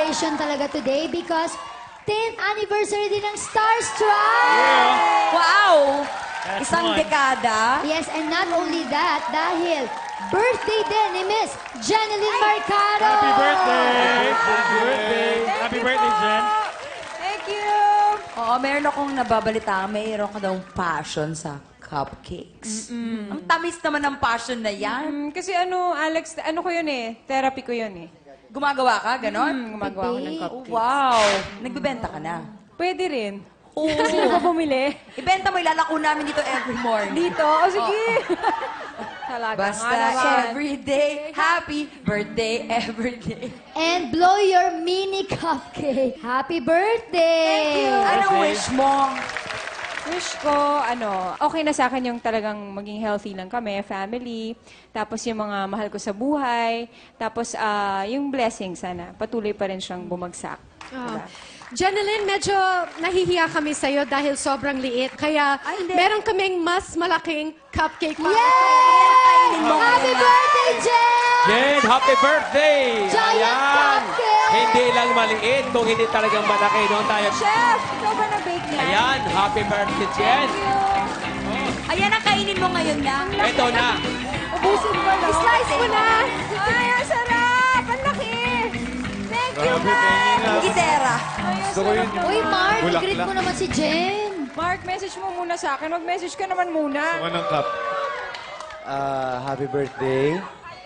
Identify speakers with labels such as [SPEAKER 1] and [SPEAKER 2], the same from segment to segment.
[SPEAKER 1] celebration talaga today because 10th anniversary din ng Starstruck!
[SPEAKER 2] Wow!
[SPEAKER 3] That's
[SPEAKER 2] Isang
[SPEAKER 3] one.
[SPEAKER 2] dekada.
[SPEAKER 1] Yes, and not only that, dahil birthday din ni Miss Jeneline Marcado!
[SPEAKER 3] Happy birthday! Happy birthday! Happy birthday, Jen!
[SPEAKER 4] Thank you!
[SPEAKER 2] Oo, meron akong nababalita. Mayroon ka daw passion sa cupcakes. Ang tamis naman ng passion na yan.
[SPEAKER 4] Kasi Alex, ko yun eh. Therapy ko yun eh.
[SPEAKER 2] Gumagawa ka, ganon?
[SPEAKER 4] Gumagawa ko ng
[SPEAKER 1] Bake.
[SPEAKER 4] cupcakes.
[SPEAKER 2] Wow! Nagbibenta ka na.
[SPEAKER 4] Pwede rin.
[SPEAKER 2] Oo.
[SPEAKER 4] Sino ka bumili?
[SPEAKER 2] Ibenta mo, ilalako namin dito every morning.
[SPEAKER 4] Dito? O sige. Talaga
[SPEAKER 2] Basta
[SPEAKER 4] nga naman.
[SPEAKER 2] everyday, happy birthday everyday.
[SPEAKER 1] And blow your mini cupcake. Happy birthday!
[SPEAKER 2] Anong wish mo?
[SPEAKER 4] Wish ko, okay na sa akin yung talagang maging healthy lang kami, family. Tapos yung mga mahal ko sa buhay. Tapos yung blessing sana. Patuloy pa rin siyang bumagsak. Diba?
[SPEAKER 5] Jeneline, medyo nahihiya kami sa'yo dahil sobrang liit. Kaya
[SPEAKER 2] Ay, hindi.
[SPEAKER 5] meron kaming mas malaking cupcake para
[SPEAKER 1] Yay!
[SPEAKER 2] mo
[SPEAKER 1] Happy
[SPEAKER 2] ngayon.
[SPEAKER 1] birthday, Jen!
[SPEAKER 6] Jen, happy birthday!
[SPEAKER 1] Giant cupcake!
[SPEAKER 6] Hindi lang maliit, kung hindi talagang malaki. Doon tayo.
[SPEAKER 4] Chef, ikaw ba nag-bake niya?
[SPEAKER 6] Ayan, happy birthday, Jen!
[SPEAKER 2] Ayan ang kainin mo ngayon na.
[SPEAKER 6] Ito na.
[SPEAKER 4] Ubusin mo lang.
[SPEAKER 5] Slice mo na!
[SPEAKER 4] Ay, ang sarap! Ang laki! Thank you, Mark!
[SPEAKER 2] Gitera.
[SPEAKER 4] Ay, ang sarap naman.
[SPEAKER 1] Uy, Mark, greet mo naman si Jen.
[SPEAKER 4] Mark, message mo muna sa akin. Mag-message ka naman muna.
[SPEAKER 7] Ng cup. Happy birthday.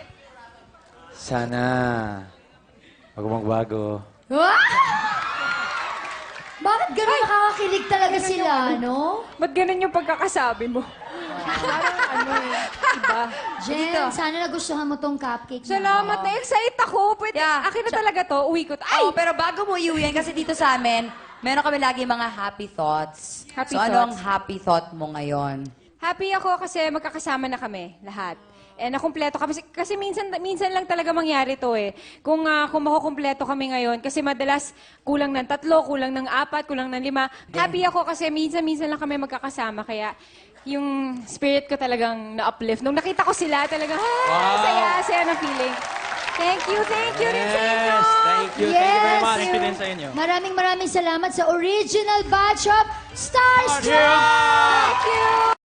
[SPEAKER 7] Sana magbago.
[SPEAKER 1] Wow! Bakit ganun nakakakilig talaga sila, no?
[SPEAKER 4] Ba't ganun yung pagkakasabi mo? Parang iba.
[SPEAKER 1] Jen, sana nagustuhan mo tong cupcake.
[SPEAKER 4] Salamat, na-excite ako. Pwede,
[SPEAKER 2] Yeah.
[SPEAKER 4] akin na talaga to. Uwi ko. Ay!
[SPEAKER 2] Oh, pero bago mo iuwi yan, kasi dito sa amin, meron kami lagi mga happy thoughts.
[SPEAKER 4] Happy
[SPEAKER 2] so, ano ang
[SPEAKER 4] thoughts.
[SPEAKER 2] happy thought mo ngayon?
[SPEAKER 4] Happy ako kasi magkakasama na kami, lahat. Nakumpleto kami. Kasi minsan lang talaga mangyari to eh. Kung makukumpleto kami ngayon, kasi madalas kulang ng 3, kulang ng 4, kulang ng 5. Happy ako kasi minsan lang kami magkakasama. Kaya yung spirit ko talagang na-uplift. Nung nakita ko sila, talagang, saya ng feeling. Thank you rin sa inyo.
[SPEAKER 6] Yes, thank you. Thank you very much.
[SPEAKER 3] Thank you din sa inyo.
[SPEAKER 1] Maraming salamat sa original batch of Starstruck!
[SPEAKER 6] Cheers!
[SPEAKER 4] Thank you.